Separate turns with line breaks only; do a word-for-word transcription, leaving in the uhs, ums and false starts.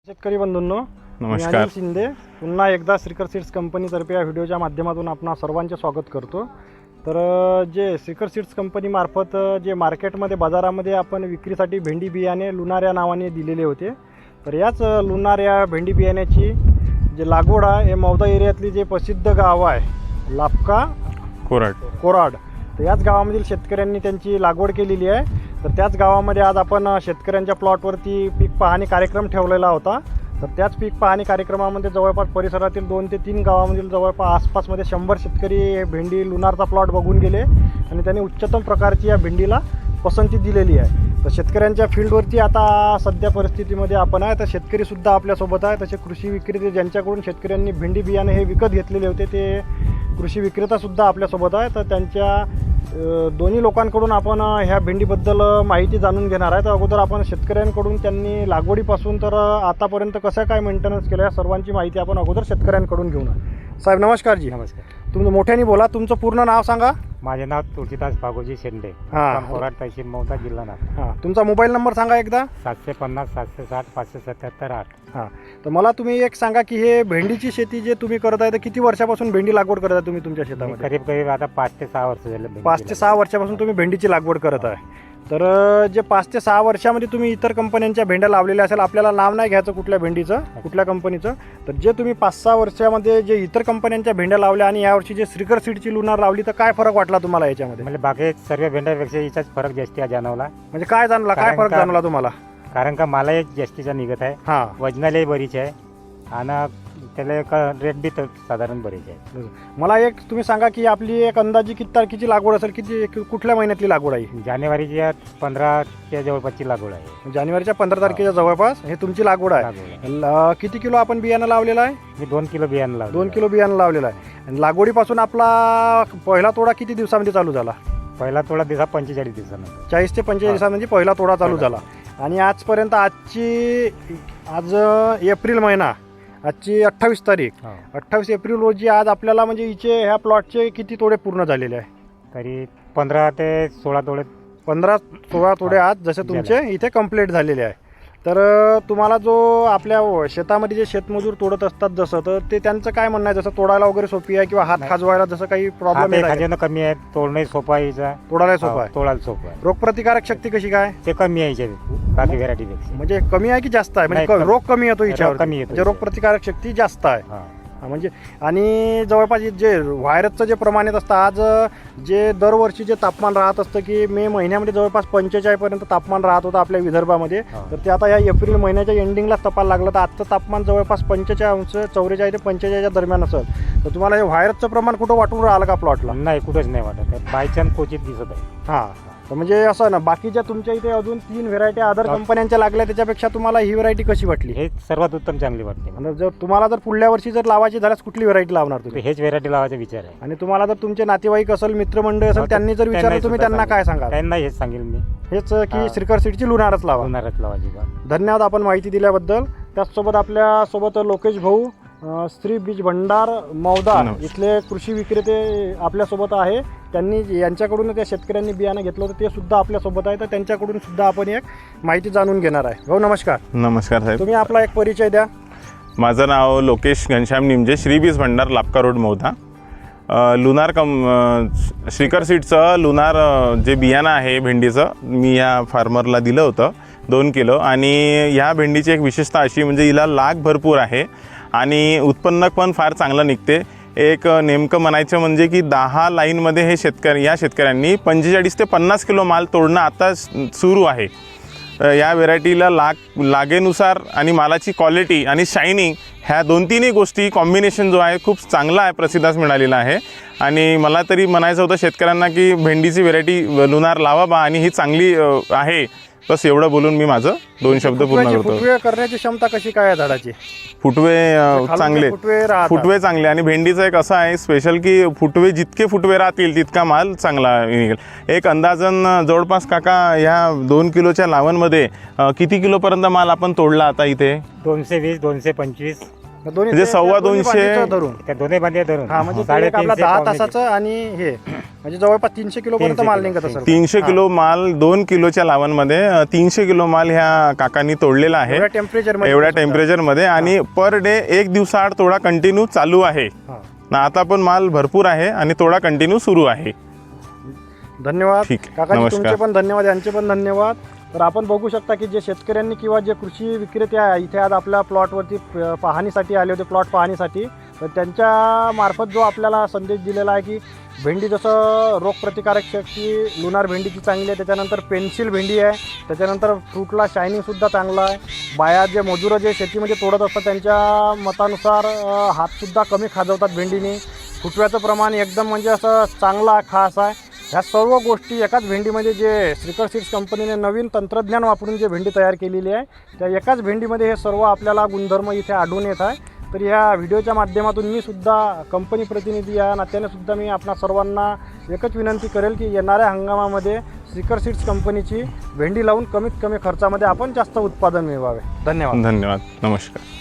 शेतकरी बंधूंनो,
नमस्कार.
मी अनिल शिंदे पुन्हा एकदा श्रीकर सीड्स कंपनीतर्फे या व्हिडिओच्या माध्यमातून आपणा सर्वांचे स्वागत करतो. तर जे श्रीकर सीड्स कंपनीमार्फत जे मार्केटमध्ये बाजारामध्ये आपण विक्रीसाठी भेंडी बियाणे लुनार या नावाने दिलेले होते. तर याच लुनार या भेंडी बियाण्याची जे लागवड आहे हे मौदा एरियातली जे प्रसिद्ध गाव आहे लापका
कोराड
कोराड तर याच गावामधील शेतकऱ्यांनी त्यांची लागवड केलेली आहे. तर त्याच गावामध्ये आज आपण शेतकऱ्यांच्या प्लॉटवरती पीक पाहणी कार्यक्रम ठेवलेला होता. तर त्याच पीक पाहणी कार्यक्रमामध्ये जवळपास परिसरातील दोन ते तीन गावामधील जवळपास आसपासमध्ये शंभर शेतकरी हे भेंडी लुनारचा प्लॉट बघून गेले आणि त्यांनी उच्चतम प्रकारची या भेंडीला पसंती दिलेली आहे. तर शेतकऱ्यांच्या फील्डवरती आता सध्या परिस्थितीमध्ये आपण आहे. तर शेतकरीसुद्धा आपल्यासोबत आहे. तसे कृषी विक्रेते ज्यांच्याकडून शेतकऱ्यांनी भेंडी बियाणे हे विकत घेतलेले होते ते कृषी विक्रेतासुद्धा आपल्यासोबत आहे. तर त्यांच्या दोन्ही लोकांकडून आपण ह्या भेंडीबद्दल माहिती जाणून घेणार आहे. तर अगोदर आपण शेतकऱ्यांकडून त्यांनी लागवडीपासून तर आतापर्यंत कसं काय मेंटेनन्स केलं या सर्वांची माहिती आपण अगोदर शेतकऱ्यांकडून घेऊ ना. साहेब नमस्कार जी.
नमस्कार.
तुमचं मोठ्याने बोला, तुमचं पूर्ण नाव सांगा.
माझे नाव तुळशीदास भागोजी शेंडे,
हां.
कोराड तहसील मौदा जिल्हा नागपूर.
हां, तुमचा मोबाईल नंबर सांगा एकदा.
सातशे पन्नास सातशे साठ पाचशे सत्याहत्तर आठ.
हां, तर मला तुम्ही एक सांगा की हे भेंडीची शेती जे तुम्ही करत आहे तर किती वर्षापासून भेंडी लागवड करत आहे तुम्ही तुमच्या शेतामध्ये?
करीब करीब आता पाच ते सहा वर्ष झाले.
पाच ते सहा वर्षापासून तुम्ही भेंडीची लागवड करत आहे. तर जे पाच ते सहा वर्षामध्ये तुम्ही इतर कंपन्यांच्या भेंड्या लावलेल्या असेल, आपल्याला नाव नाही घ्यायचं कुठल्या भेंडीचं कुठल्या कंपनीचं, तर जे तुम्ही पाच सहा वर्षामध्ये जे इतर कंपन्यांच्या भेंड्या लावल्या आणि यावर्षी जे श्रीकर सीडची लुनार लावली तर काय फरक वाटला तुम्हाला याच्यामध्ये?
म्हणजे बाकी सर्व भेंड्यापेक्षा याचाच फरक जास्ती जाणवला.
म्हणजे काय जाणला, काय फरक जाणवला तुम्हाला?
कारण का मला एक जास्तीचा निघत आहे,
हां,
वजनालाही बरीच आहे आणि त्याला एक रेट बी तर साधारण बरीच आहे.
मला एक तुम्ही सांगा की आपली एक अंदाजी किती तारखेची लागवड असेल, किती कुठल्या महिन्यातली लागवड आहे?
जानेवारीच्या पंधराच्या जवळपासची लागवड आहे.
जानेवारीच्या पंधरा तारखेच्या जवळपास हे तुमची लागवड आहे.
लागवड आहे.
ल- किती किलो आपण बियाणं लावलेलं आहे?
मी दोन किलो बियाणं लावलं.
दोन किलो बियाणं लावलेलं आहे. आणि लागवडीपासून आपला पहिला तोडा किती दिवसामध्ये चालू झाला?
पहिला थोडा दिवसा पंचेचाळीस दिवसानंतर.
चाळीस ते पंचेचाळीस दिवसामध्ये पहिला तोडा चालू
पहिला.
झाला. आणि आजपर्यंत आजची आज एप्रिल महिना, आजची अठ्ठावीस तारीख,
हो.
अठ्ठावीस एप्रिल रोजी आज आपल्याला म्हणजे हिचे ह्या प्लॉटचे किती तोडे पूर्ण झालेले आहे?
तरी पंधरा ते सोळा तोडे.
पंधरा सोळा तोडे आज जसे तुमचे इथे कंप्लीट झालेले आहे. तर तुम्हाला जो आपल्या शेतामध्ये जे शेतमजूर तोडत असतात जसं, तर ते त्यांचं काय म्हणणं आहे, जसं तोडायला वगैरे सोपी आहे किंवा हात
नाही.
खाजवायला जसं काही प्रॉब्लेम आहे?
खाजवणं कमी आहे, तोडणं सोपं आहे याचा.
तोडायला सोपं आहे.
तोडायला सोपं आहे.
रोगप्रतिकारक शक्ती कशी काय?
ते कमी आहे याच्यात बाकी व्हेरायटीपेक्षा.
म्हणजे कमी आहे की जास्त आहे? म्हणजे
नाही,
क-
कमी.
रोग कमी येतो हिच्यावर,
कमी येतो
म्हणजे रोगप्रतिकारक शक्ती जास्त आहे.
हा.
हा, म्हणजे आणि जवळपास जे व्हायरसचं जे प्रमाण येत असतं, आज जे दरवर्षी जे तापमान राहत असतं की मे महिन्यामध्ये जवळपास पंचेचाळीस पर्यंत तापमान राहत होतं आपल्या विदर्भामध्ये,
हा.
तर ते आता या एप्रिल महिन्याच्या एंडिंगलाच तपायला लागलं. तर आजचं तापमान जवळपास पंचेचाळीस अंश चौवेचाळीस ते पंचेचाळीसच्या दरम्यान असेल. तर तुम्हाला हे व्हायरसचं प्रमाण कुठं वाटून राहिलं का प्लॉटला?
नाही, कुठंच नाही वाटत. बायचान्स क्वचित दिसत आहे.
हां, तर म्हणजे असं ना, बाकीच्या तुमच्या इथे अजून तीन व्हेरायटी अदर
हा.
कंपन्यांच्या लागल्या, त्याच्यापेक्षा तुम्हाला ही व्हेरायटी कशी वाटली?
हे सर्वात उत्तम चांगली वाटते मला.
आणि जर तुम्हाला जर पुढल्या वर्षी जर लावायची झाल्यास कुठली व्हेरायटी लावणार
तर
तुम्ही?
हेच व्हेरायटी लावायचा विचार आहे.
आणि तुम्हाला जर तुमचे नातेवाईक असेल, मित्रमंडळी असेल,
हो, तर
त्यांनी जर विचारलं
त्यांनाही
तुम्ही
सुद्धा
त्यांना काय
सांगेल.
सांगाल?
त्यांना हेच सांगेल मी,
हेच की
हा.
श्रीकर सीडची लुनारच लावा.
होणारच लावायची बा.
धन्यवाद आपण माहिती दिल्याबद्दल. त्याचसोबत आपल्यासोबत लोकेश भाऊ, अं, श्री बीज भंडार मौदा
नमस्कार.
इथले कृषी विक्रेते आपल्यासोबत आहे. त्यांनी यांच्याकडून त्या शेतकऱ्यांनी बियाणं घेतलं होतं ते सुद्धा आपल्यासोबत आहे. तर त्यांच्याकडून सुद्धा आपण एक माहिती जाणून घेणार आहे. भाऊ नमस्कार.
नमस्कार साहेब.
तुम्ही आपला एक परिचय द्या.
माझं नाव लोकेश घनश्याम निमजे, श्री बीज भंडार लापका रोड मौदा. अ, लुनार कम अ, श्रीकर सीडचं लुनार अ, जे बियाणं आहे भेंडीचं, मी या फार्मरला दिलं होतं दोन किलो. आणि ह्या भेंडीची एक विशेषता अशी म्हणजे हिला लाग भरपूर आहे आणि उत्पन्न पण फार चांगलं निघते. एक नेमकं म्हणायचं म्हणजे की दहा लाईनमध्ये हे शेतकरी या शेतकऱ्यांनी पंचेचाळीस ते पन्नास किलो माल तोडणं आता सुरू आहे. या व्हेरायटीला लाग लागेनुसार आणि मालाची क्वालिटी आणि शायनिंग ह्या दोन तीनही गोष्टी कॉम्बिनेशन जो आहे खूप चांगला आहे, प्रसिद्धास मिळालेला आहे. आणि मला तरी म्हणायचं होतं शेतकऱ्यांना की भेंडीची व्हेरायटी लुनार लावा बा आणि ही चांगली अ, आहे. बस एवढं बोलून मी माझं दोन शब्द पूर्ण
फुटव्याची-
करतो.
फुटवे करण्याची क्षमता कशी काय आहे झाडाची?
फुटवे अ,
खालून
चांगले,
जे फुटवे राहतात.
फुटवे चांगले. आणि भेंडीचं एक असं आहे स्पेशल की फुटवे जितके फुटवे राहतील तितका माल चांगला निघेल. एक अंदाजन जवळपास काका ह्या दोन किलोच्या लावणमध्ये अ, किती किलोपर्यंत माल आपण तोडला आता इथे?
दोनशे वीस दोनशे पंचवीस
दोन्ही
म्हणजे
ते-
सव्वा
दोन्ही
दोनशे-
बाजूचं धरून.
त्या दोन्ही बांधे धरून
हा, म्हणजे ते एक आपला
साडेतीनशे
दहा
पावणे-
तासाचं आणि हे म्हणजे जवळपास तीनशे किलो पर्यंत
तीनशे
माल
किलो,
निघत असेल.
तीनशे किलो माल दोन किलोच्या लावांमध्ये अ, तीनशे किलो माल ह्या काकांनी तोडलेला आहे
एवढ्या टेम्परेचर
एवढ्या टेम्परेचरमध्ये आणि पर डे एक दिवसाआड तोडा कंटिन्यू चालू आहे ना. आता पण माल भरपूर आहे आणि तोडा कंटिन्यू सुरू आहे.
धन्यवाद
ठीक आहे.
काकाजी,
नमस्कार.
तुमचे पण धन्यवाद, यांचे पण धन्यवाद. तर आपण बघू शकता की जे शेतकऱ्यांनी किंवा जे कृषी विक्रेते आहे इथे आज आपल्या प्लॉटवरती प- पाहणीसाठी आले होते, प्लॉट पाहणीसाठी, तर त्यांच्या मार्फत जो आपल्याला संदेश दिलेला आहे की भेंडी जसं रोगप्रतिकारक शक्ती लुनार भेंडीची चांगली आहे, त्याच्यानंतर पेन्सिल भेंडी आहे, त्याच्यानंतर फ्रूटला शायनिंगसुद्धा चांगला आहे. बाया जे मजुरं जे शेतीमध्ये तोडत असतात त्यांच्या मतानुसार अ, हातसुद्धा कमी खाजवतात भेंडीने. फुटव्याचं प्रमाण एकदम म्हणजे असं चांगला खास आहे. ह्या सर्व गोष्टी एकाच भेंडीमध्ये जे श्रीकर सीड्स कंपनीने नवीन तंत्रज्ञान वापरून जे भेंडी तयार केलेली आहे त्या एकाच भेंडीमध्ये हे सर्व आपल्याला गुणधर्म इथे आढळून येत आहे. तर ह्या व्हिडिओच्या माध्यमातून मी सुद्धा कंपनी प्रतिनिधी या नात्याने सुद्धा मी आपणा सर्वांना एकच विनंती करेल की येणाऱ्या हंगामामध्ये श्रीकर सीड्स कंपनीची भेंडी लावून कमीत कमी खर्चामध्ये आपण जास्त उत्पादन मिळवावे. धन्यवाद.
धन्यवाद. नमस्कार.